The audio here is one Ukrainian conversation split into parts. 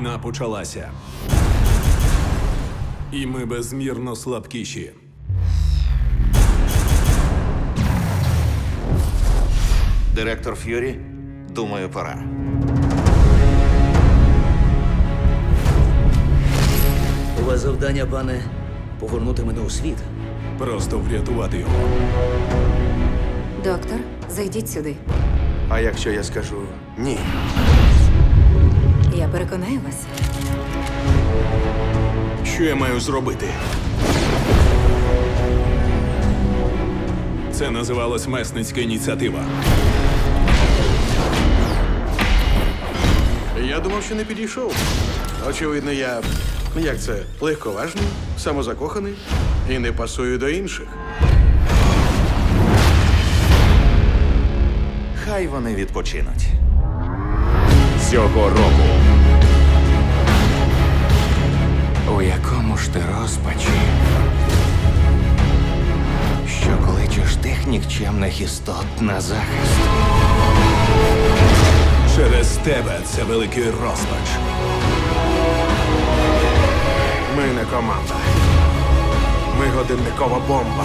Війна почалася. І ми безмірно слабкіші. Директор Ф'юрі, думаю, пора. У вас завдання, пане, повернути мене у світ. Просто врятувати його. Доктор, зайдіть сюди. А якщо я скажу ні? Я переконаю вас. Що я маю зробити? Це називалось месницька ініціатива. Я думав, що не підійшов. Очевидно, я, як це, легковажний, самозакоханий і не пасую до інших. Хай вони відпочинуть. Цього року. У якому ж ти розпачі? Що кличеш тих нікчемних істот на захист? Через тебе це великий розпач. Ми не команда. Ми годинникова бомба.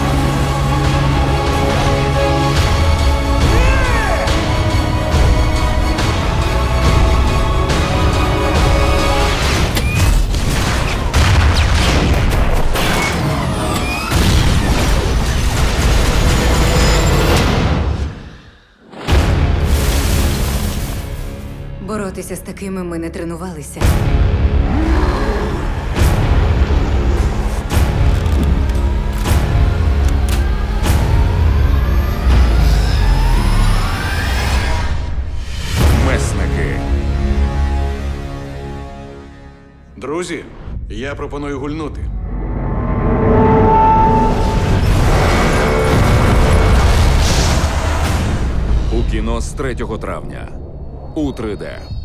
Боротися з такими ми не тренувалися. Месники. Друзі, я пропоную гульнути. У кіно з 3 травня. У 3D.